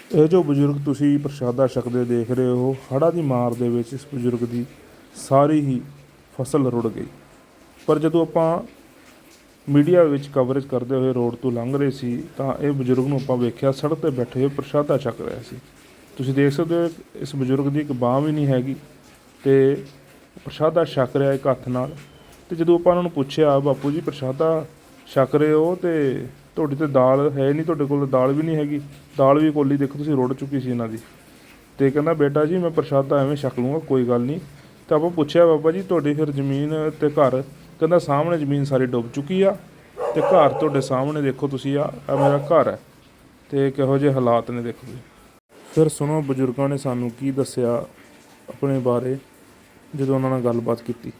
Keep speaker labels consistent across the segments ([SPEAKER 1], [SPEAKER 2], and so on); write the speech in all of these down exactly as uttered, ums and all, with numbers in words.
[SPEAKER 1] ਇਹ ਜੋ ਬਜ਼ੁਰਗ ਤੁਸੀਂ ਪ੍ਰਸ਼ਾਦਾ ਛਕਦੇ ਦੇਖ ਰਹੇ ਹੋ, ਹੜ੍ਹਾਂ ਦੀ ਮਾਰ ਦੇ ਵਿੱਚ ਇਸ ਬਜ਼ੁਰਗ ਦੀ ਸਾਰੀ ਹੀ ਫਸਲ ਰੁੜ ਗਈ। ਪਰ ਜਦੋਂ ਆਪਾਂ ਮੀਡੀਆ ਵਿੱਚ ਕਵਰੇਜ ਕਰਦੇ ਹੋਏ ਰੋਡ ਤੋਂ ਲੰਘ ਰਹੇ ਸੀ ਤਾਂ ਇਹ ਬਜ਼ੁਰਗ ਨੂੰ ਆਪਾਂ ਵੇਖਿਆ ਸੜਕ 'ਤੇ ਬੈਠੇ ਹੋਏ ਪ੍ਰਸ਼ਾਦਾ ਛਕ ਰਿਹਾ ਸੀ। ਤੁਸੀਂ ਦੇਖ ਸਕਦੇ ਹੋ ਇਸ ਬਜ਼ੁਰਗ ਦੀ ਇੱਕ ਬਾਂਹ ਵੀ ਨਹੀਂ ਹੈਗੀ ਅਤੇ ਪ੍ਰਸ਼ਾਦਾ ਛਕ ਰਿਹਾ ਇੱਕ ਹੱਥ ਨਾਲ। ਅਤੇ ਜਦੋਂ ਆਪਾਂ ਉਹਨਾਂ ਨੂੰ ਪੁੱਛਿਆ, ਬਾਪੂ ਜੀ ਪ੍ਰਸ਼ਾਦਾ ਛਕ ਰਹੇ ਹੋ ਅਤੇ ਤੁਹਾਡੀ ਤਾਂ ਦਾਲ ਹੈ ਨਹੀਂ, ਤੁਹਾਡੇ ਕੋਲ ਦਾਲ ਵੀ ਨਹੀਂ ਹੈਗੀ, ਦਾਲ ਵੀ ਕੋਲੀ ਦੇਖੋ ਤੁਸੀਂ ਰੁੜ ਚੁੱਕੀ ਸੀ ਇਹਨਾਂ ਦੀ। ਅਤੇ ਕਹਿੰਦਾ ਬੇਟਾ ਜੀ ਮੈਂ ਪ੍ਰਸ਼ਾਦਾ ਐਵੇਂ ਛਕ ਲੂँਗਾ, ਕੋਈ ਗੱਲ ਨਹੀਂ। ਤਾਂ ਆਪਾਂ ਪੁੱਛਿਆ ਬਾਬਾ ਜੀ ਤੁਹਾਡੀ ਫਿਰ ਜ਼ਮੀਨ ਅਤੇ ਘਰ? ਕਹਿੰਦਾ ਸਾਹਮਣੇ ਜ਼ਮੀਨ ਸਾਰੀ ਡੁੱਬ ਚੁੱਕੀ ਆ ਅਤੇ ਘਰ ਤੁਹਾਡੇ ਸਾਹਮਣੇ ਦੇਖੋ ਤੁਸੀਂ, ਆ ਆ ਮੇਰਾ ਘਰ ਹੈ ਅਤੇ ਕਿਹੋ ਜਿਹੇ ਹਾਲਾਤ ਨੇ ਦੇਖੋ ਜੀ। ਫਿਰ ਸੁਣੋ ਬਜ਼ੁਰਗਾਂ ਨੇ ਸਾਨੂੰ ਕੀ ਦੱਸਿਆ ਆਪਣੇ ਬਾਰੇ ਜਦੋਂ ਉਹਨਾਂ ਨਾਲ ਗੱਲਬਾਤ ਕੀਤੀ।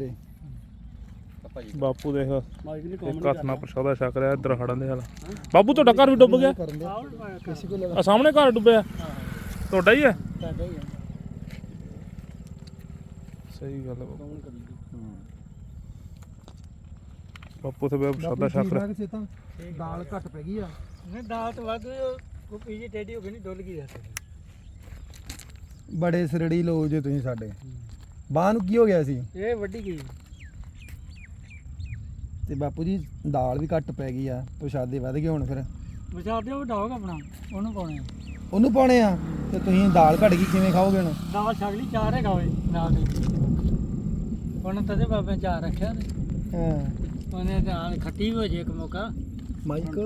[SPEAKER 1] ਬਾਪੂ ਦੇਖ ਇੱਕ ਹੱਥ ਨਾਲ ਪ੍ਰਸ਼ਾਦਾ ਛਕ ਰਿਹਾ, ਇੱਧਰ ਹੜ੍ਹਾਂ ਦੇ ਹਾਲ। ਬਾਪੂ ਤੁਹਾਡਾ ਘਰ ਵੀ ਡੁੱਬ ਗਿਆ? ਆ ਸਾਹਮਣੇ ਘਰ ਡੁੱਬਿਆ ਤੁਹਾਡਾ ਹੀ ਹੈ? ਸਹੀ ਗੱਲ ਹੈ ਬਾਪੂ ਤੇ ਪ੍ਰਸ਼ਾਦਾ ਛਕ ਰਿਹਾ।
[SPEAKER 2] ਦਾਲ ਘੱਟ ਪੈ ਗਈ ਆ।
[SPEAKER 3] ਨਹੀਂ ਦਾਲ ਤਾਂ ਵੱਧ ਉਹ ਪੀਜੀ ਟੇਡੀ ਹੋ ਗਈ, ਨਹੀਂ ਡੁੱਲ ਗਈ ਆ।
[SPEAKER 2] ਬੜੇ ਸਰੜੀ ਲੋ ਜੇ ਤੁਸੀਂ ਸਾਡੇ ਬਾਹ ਨੂੰ ਕੀ ਹੋ ਗਿਆ ਸੀ?
[SPEAKER 3] ਇਹ ਵੱਡੀ ਗਈ
[SPEAKER 2] ਤੇ ਬਾਪੂ ਜੀ ਦਾਲ ਵੀ ਘੱਟ ਪੈ ਗਈ ਆ, ਪ੍ਰਸ਼ਾਦੇ ਵੱਧ ਗਏ ਹੁਣ। ਫਿਰ
[SPEAKER 3] ਵਿਚਾਰਦੇ ਉਹ ਡਾਗ ਆਪਣਾ ਉਹਨੂੰ ਪਾਉਣੇ
[SPEAKER 2] ਉਹਨੂੰ ਪਾਉਣੇ ਆ ਤੇ ਤੁਸੀਂ ਦਾਲ ਘੱਟ ਗਈ ਕਿਵੇਂ ਖਾਓਗੇ ਹੁਣ?
[SPEAKER 3] ਦਾਲ ਛਕ ਲਈ, ਚਾਰ ਹੈਗਾ ਓਏ ਨਾਲ ਦੇ। ਉਹਨੇ ਤਦੇ ਬਾਬੇ ਚਾਰ ਰੱਖਿਆ ਨੇ।
[SPEAKER 2] ਹਾਂ
[SPEAKER 3] ਉਹਨੇ ਦਾਲ ਖੱਟੀ ਵੀ ਹੋ ਜੇ ਇੱਕ ਮੌਕਾ।
[SPEAKER 2] ਮਾਈਕ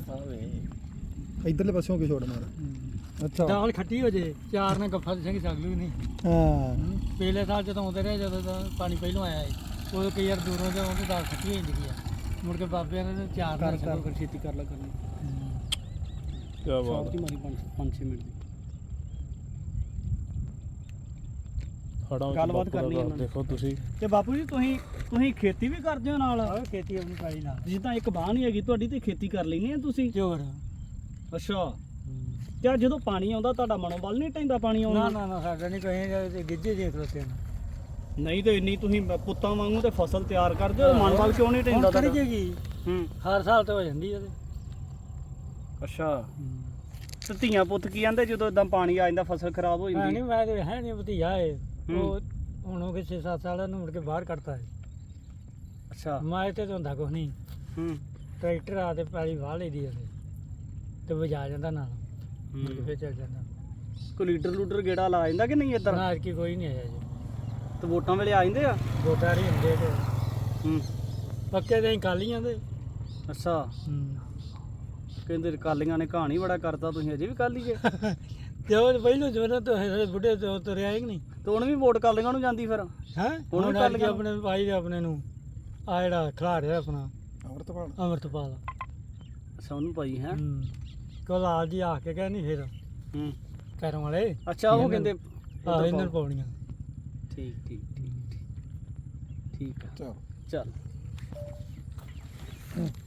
[SPEAKER 2] ਇਧਰਲੇ ਪਾਸਿਓਂ ਕਿ ਛੋੜ ਮਾਰ। ਅੱਛਾ
[SPEAKER 3] ਦਾਲ ਖੱਟੀ ਹੋ ਜੇ, ਚਾਰ ਨੇ ਗੱਫਾ ਸਿੰਘ ਛਕ ਲਈ ਨਹੀਂ।
[SPEAKER 2] ਹਾਂ
[SPEAKER 3] ਪਿਛਲੇ ਸਾਲ ਜਦੋਂ ਆਉਂਦੇ ਰਹੇ, ਜਦੋਂ ਦਾ ਪਾਣੀ ਪਹਿਲੋਂ ਆਇਆ ਸੀ, ਉਦੋਂ ਕਈ ਵਾਰ ਦੂਰੋਂ ਜਦੋਂ ਉਹਦੀ ਦਾਲ ਖੱਟੀ ਹੋ ਜਾਂਦੀ ਆ। ਮੁੜ ਕੇ ਬਾਬਿਆਂ ਨੇ ਚਾਰ
[SPEAKER 2] ਕਰ
[SPEAKER 3] ਨਾਲ
[SPEAKER 2] ਕਰ
[SPEAKER 3] ਛਕੋ, ਛੇਤੀ ਕਰ ਲਾ ਕਰਨੀ।
[SPEAKER 1] ਕਿਆ ਬਾਤ
[SPEAKER 3] ਦੀ ਮਾਰੀ ਪੰਜ ਛੇ ਮਿੰਟ ਦੀ
[SPEAKER 1] ਹੜ੍ਹਾਂ ਵਿੱਚ
[SPEAKER 3] ਗੱਲਬਾਤ
[SPEAKER 1] ਬਾਪੂ ਦਾ
[SPEAKER 3] ਕਰਨੀ
[SPEAKER 1] ਘਰ
[SPEAKER 3] ਇਹਨਾਂ ਨੇ।
[SPEAKER 1] ਦੇਖੋ ਤੁਸੀਂ।
[SPEAKER 4] ਤੇ ਬਾਪੂ ਜੀ ਤੁਸੀਂ ਤੁਸੀਂ ਖੇਤੀ ਵੀ ਕਰਦੇ ਹੋ ਨਾਲ?
[SPEAKER 3] ਆਹ ਖੇਤੀ ਆਪਣੀ ਪਾਈ ਨਾਲ
[SPEAKER 4] ਜਿੱਦਾਂ ਇੱਕ ਬਾਹ ਨਹੀਂ ਹੈਗੀ ਤੁਹਾਡੀ ਤੇ ਖੇਤੀ ਕਰ ਲੈਣੀ ਆ ਤੁਸੀਂ?
[SPEAKER 3] ਚੋਰ।
[SPEAKER 4] ਅੱਛਾ ਤੇ ਜਦੋਂ ਪਾਣੀ ਆਉਂਦਾ ਤੁਹਾਡਾ ਮਨੋਬਲ ਨਹੀਂ ਟੈਂਦਾ ਪਾਣੀ ਆਉਣ
[SPEAKER 3] ਨਾ
[SPEAKER 4] ਨਾਲ?
[SPEAKER 3] ਨਾ ਨਾ ਸਾਡਾ ਨਹੀਂ ਕਹੇ ਗਿੱਜੇ ਜੇ ਖਲੋਤੇ ਨੇ।
[SPEAKER 4] ਨਹੀਂ ਤੇ ਇੰਨੀ ਤੁਸੀਂ ਪੁੱਤਾਂ ਵਾਂਗੂ ਤੇ ਫਸਲ ਤਿਆਰ ਕਰਦੇ ਹੋ, ਮਨੋਬਲ ਕਿਉਂ ਨਹੀਂ ਟੈਂਦਾ
[SPEAKER 3] ਹੁਣ ਕਰੀ
[SPEAKER 4] ਤੁਹਾਡਾ?
[SPEAKER 3] ਜੇਗੀ
[SPEAKER 4] ਹੂੰ
[SPEAKER 3] ਹਰ ਸਾਲ ਤੇ ਹੋ ਜਾਂਦੀ ਉਹਦੇ।
[SPEAKER 4] ਅੱਛਾ ਤੇ ਧੀਆਂ ਪੁੱਤ ਕੀ ਕਹਿੰਦੇ ਜਦੋਂ ਇਦਾਂ ਪਾਣੀ ਆ ਜਾਂਦਾ ਫਸਲ ਖਰਾਬ ਹੋ
[SPEAKER 3] ਹੈ
[SPEAKER 4] ਜਾਂਦੀ?
[SPEAKER 3] ਨਹੀਂ ਮੈਂ ਤੇ ਹੈ ਨਹੀਂ ਭਤੀਜਾ ਏ,
[SPEAKER 4] ਹੂੰ।
[SPEAKER 3] ਉਹ ਹੁਣ ਉਹ ਛੇ ਸੱਤ ਸਾਲਾਂ ਨੂੰ ਮੁੜ ਕੇ ਬਾਹਰ ਕੱਢਤਾ ਹੈ।
[SPEAKER 4] ਅੱਛਾ
[SPEAKER 3] ਮੈਂ ਤੇ ਹੁੰਦਾ ਕੁਛ ਨਹੀਂ,
[SPEAKER 4] ਹੂੰ
[SPEAKER 3] ਟਰੈਕਟਰ ਆ ਤੇ ਪੈਲੀ ਵਾਹ ਲਈ ਦੀ ਉਹਦੇ ਤੇ ਵਜਾ ਜਾਂਦਾ ਨਾਲ, ਮੁੜ ਕੇ
[SPEAKER 4] ਹੂੰ।
[SPEAKER 3] ਫਿਰ ਚੱਲ ਜਾਂਦਾ।
[SPEAKER 4] ਕੋਈ ਲੀਡਰ ਲੂਡਰ ਗੇੜਾ ਲਾ ਜਾਂਦਾ ਕਿ ਨਹੀਂ ਇੱਧਰ?
[SPEAKER 3] ਨਾ ਅੱਜ ਕੀ ਕੋਈ ਨਹੀਂ ਆਇਆ ਜੀ,
[SPEAKER 4] ਤੇ ਵੋਟਾਂ ਵੇਲੇ ਆ ਜਾਂਦੇ ਆ?
[SPEAKER 3] ਵੋਟਾਂ ਨਹੀਂ ਹੁੰਦੇ ਤੇ
[SPEAKER 4] ਹੂੰ
[SPEAKER 3] ਪੱਕੇ ਦੇ ਕਾਲੀਆਂ ਦੇ।
[SPEAKER 4] ਅੱਛਾ ਕਹਿੰਦੇ ਕਾਲੀਆਂ ਨੇ ਕਹਾਣੀ ਬੜਾ ਕਰਤਾ, ਤੁਸੀਂ ਅਜੇ ਵੀ ਕਾਲੀ ਜੇ?
[SPEAKER 3] ਤੇ ਉਹ ਪਹਿਲੋਂ ਜਵਾਨਾਂ ਤੋਂ ਹੈ ਬੁੱਢੇ ਤੋਂ ਤੁਰਿਆ ਹੀ ਨਹੀਂ
[SPEAKER 4] ਤੇ ਹੁਣ ਵੀ ਵੋਟ ਕਾਲੀਆਂ ਨੂੰ ਜਾਂਦੀ ਫਿਰ?
[SPEAKER 3] ਹੈ।
[SPEAKER 4] ਹੁਣ
[SPEAKER 3] ਹੁਣ
[SPEAKER 4] ਵੀ
[SPEAKER 3] ਅੱਜ
[SPEAKER 4] ਕਾਲੀਆਂ
[SPEAKER 3] ਆਪਣੇ ਭਾਈ ਦੇ ਆਪਣੇ ਨੂੰ ਆ ਜਿਹੜਾ ਖਿਲਾ ਰਿਹਾ ਆਪਣਾ
[SPEAKER 2] ਅਮਰਤਪਾਲ
[SPEAKER 3] ਅਮਰਤਪਾਲ।
[SPEAKER 4] ਅੱਛਾ ਉਹਨੂੰ ਪਾਈ ਹੈ।
[SPEAKER 3] ਹੂੰ ਕੋਲਾਲ ਜੀ ਆ ਕੇ ਕਹਿੰਦੀ ਫਿਰ
[SPEAKER 4] ਹੂੰ
[SPEAKER 3] ਘਰੋਂ ਵਾਲੇ
[SPEAKER 4] ਅੱਛਾ ਉਹ ਕਹਿੰਦੇ
[SPEAKER 3] ਆਹ ਇਹਨਾਂ ਪਾਉਣੀਆਂ।
[SPEAKER 4] ਠੀਕ ਠੀਕ ਠੀਕ ਠੀਕ ਠੀਕ ਆ
[SPEAKER 2] ਚਲ
[SPEAKER 4] ਚੱਲ